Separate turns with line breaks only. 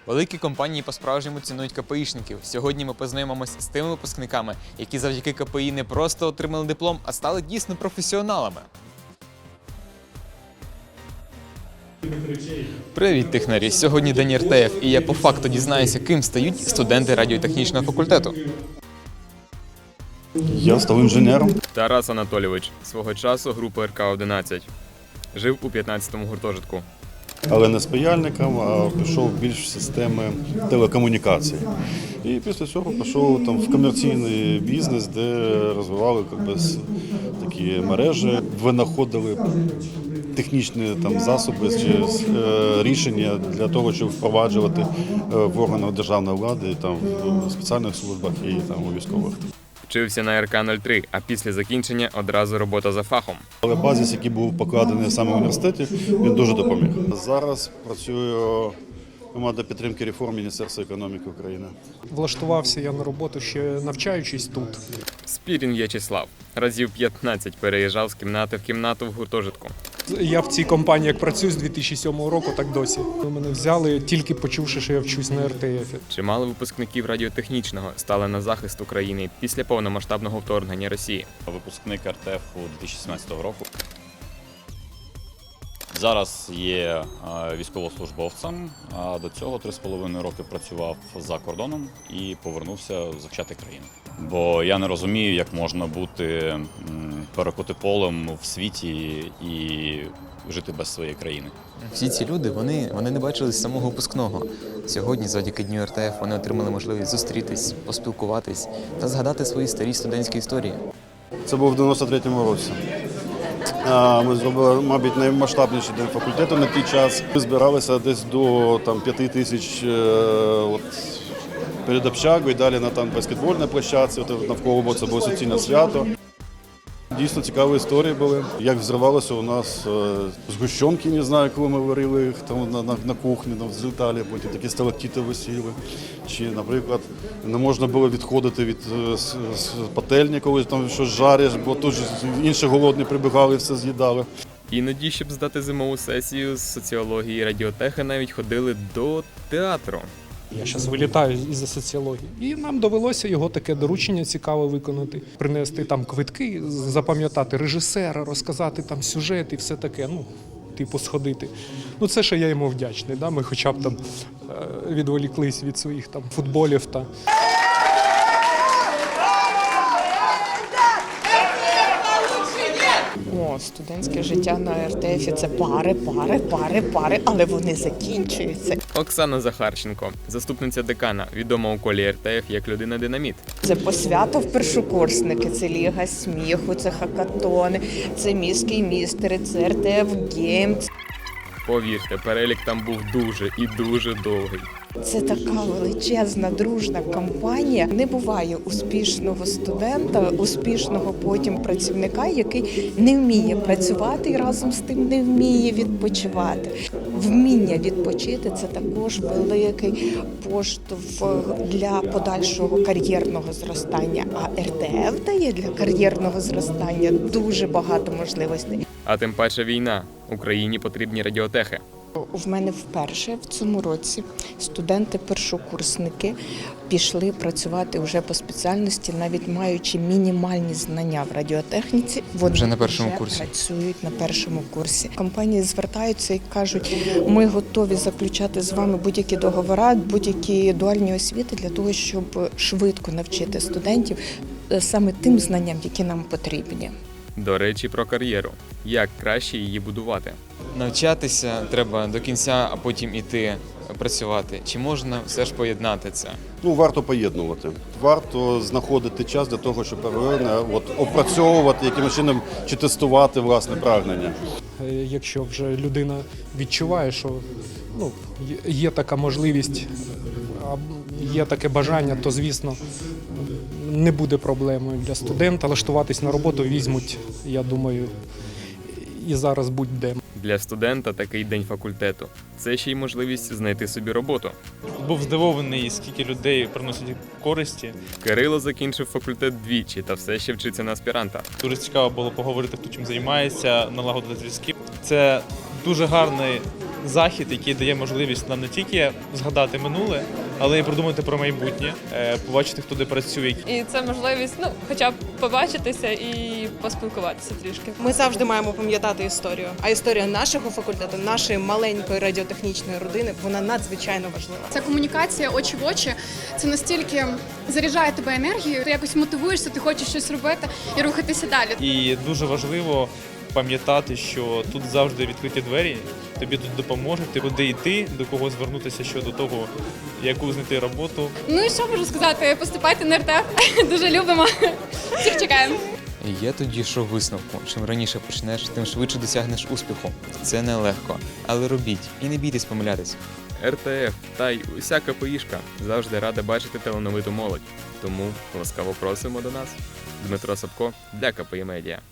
Великі компанії по-справжньому цінують КПІшників. Сьогодні ми познайомимося з тими випускниками, які завдяки КПІ не просто отримали диплом, а стали дійсно професіоналами. Привіт, технарі! Сьогодні день РТФ, і я по факту дізнаюся, ким стають студенти радіотехнічного факультету.
Я став інженером.
Тарас Анатолійович, свого часу група РК-11. Жив у 15-му гуртожитку.
Але не з паяльником, а пішов більш в системи телекомунікацій. І після цього пішов там в комерційний бізнес, де розвивали такі мережі, винаходили технічні засоби чи рішення для того, щоб впроваджувати в органах державної влади, в спеціальних службах і у військових.
Вчився на РК-03, а після закінчення одразу робота за фахом.
Але базис, який був покладений саме в університеті, він дуже допоміг. Зараз працюю команда підтримки реформ Міністерства економіки України.
Влаштувався я на роботу ще навчаючись тут.
Спірін В'ячеслав. Разів 15 переїжджав з кімнати в кімнату в гуртожитку.
Я в цій компанії як працюю з 2007 року, так досі. Мене взяли, тільки почувши, що я вчусь на РТФ.
Чимало випускників радіотехнічного стали на захист України після повномасштабного вторгнення Росії.
Випускник РТФ 2017 року. Зараз є військовослужбовцем, а до цього 3,5 роки працював за кордоном і повернувся захищати країну. Бо я не розумію, як можна бути перекоти полем в світі і жити без своєї країни.
Всі ці люди, вони не бачили з самого випускного. Сьогодні, завдяки Дню РТФ, вони отримали можливість зустрітись, поспілкуватись та згадати свої старі студентські історії.
Це був в 93-му році. Ми зробили, мабуть, наймасштабніший день факультету на той час. Ми збиралися десь до 5 тисяч перед общагою, далі на баскетбольній площадці, навколо це було суцільне свято. Дійсно цікаві історії були. Як взривалося у нас згущенки, не знаю, коли ми варили їх на кухні, злітали, потім такі сталактити висіли. Чи, наприклад, не можна було відходити від пательні, коли там щось жариш, бо тут ж інші голодні прибігали і все з'їдали.
Іноді, щоб здати зимову сесію з соціології і радіотехи, навіть ходили до театру.
Я зараз вилітаю із соціології. І нам довелося його таке доручення цікаве виконати. Принести квитки, запам'ятати режисера, розказати сюжет і все таке, сходити. Це ще я йому вдячний. Ми хоча б відволіклись від своїх футболів.
Студентське життя на РТФ – це пари, але вони закінчуються.
Оксана Захарченко, заступниця декана, відома у колі РТФ як людина-динаміт.
Це посвята в першокурсники, це Ліга сміху, це хакатони, це міський містери, це РТФ Гейм.
Повірте, перелік там був дуже і дуже довгий.
Це така величезна, дружна компанія. Не буває успішного студента, успішного потім працівника, який не вміє працювати і разом з тим не вміє відпочивати. Вміння відпочити – це також великий поштовх для подальшого кар'єрного зростання. А РТФ дає для кар'єрного зростання дуже багато можливостей.
А тим паче війна. Україні потрібні радіотехи.
В мене вперше в цьому році студенти-першокурсники пішли працювати вже по спеціальності, навіть маючи мінімальні знання в радіотехніці. Вони
вже на першому курсі
працюють на першому курсі. Компанії звертаються і кажуть, ми готові заключати з вами будь-які договори, будь-які дуальні освіти для того, щоб швидко навчити студентів саме тим знанням, які нам потрібні.
До речі, про кар'єру. Як краще її будувати? Навчатися треба до кінця, а потім іти працювати. Чи можна все ж поєднати це?
Варто поєднувати. Варто знаходити час для того, щоб опрацьовувати, якимось чином чи тестувати власне прагнення.
Якщо вже людина відчуває, що є така можливість, є таке бажання, то, звісно, не буде проблемою для студента. Влаштуватись на роботу візьмуть, я думаю, і зараз будь-де.
Для студента такий день факультету – це ще й можливість знайти собі роботу.
Був здивований, скільки людей приносять користі.
Кирило закінчив факультет двічі та все ще вчиться на аспіранта.
Дуже цікаво було поговорити, хто чим займається, налагодити зв'язки. Це дуже гарний захід, який дає можливість нам не тільки згадати минуле, але й продумати про майбутнє, побачити, хто де працює.
І це можливість, хоча б побачитися і поспілкуватися трішки.
Ми завжди маємо пам'ятати історію. А історія нашого факультету, нашої маленької радіотехнічної родини, вона надзвичайно важлива.
Ця комунікація очі в очі, це настільки заряджає тебе енергією, ти якось мотивуєшся, ти хочеш щось робити і рухатися далі.
І дуже важливо пам'ятати, що тут завжди відкриті двері, тобі тут допоможуть, куди йти, до кого звернутися щодо того, яку знайти роботу.
Ну і що можу сказати? Поступайте на РТФ, дуже любимо. Всіх чекаємо.
Я тоді йшов висновку. Чим раніше почнеш, тим швидше досягнеш успіху. Це нелегко. Але робіть і не бійтесь помилятись. РТФ та й уся КПІшка завжди рада бачити талановиту молодь. Тому ласкаво просимо до нас. Дмитро Сапко для КПІ Медіа.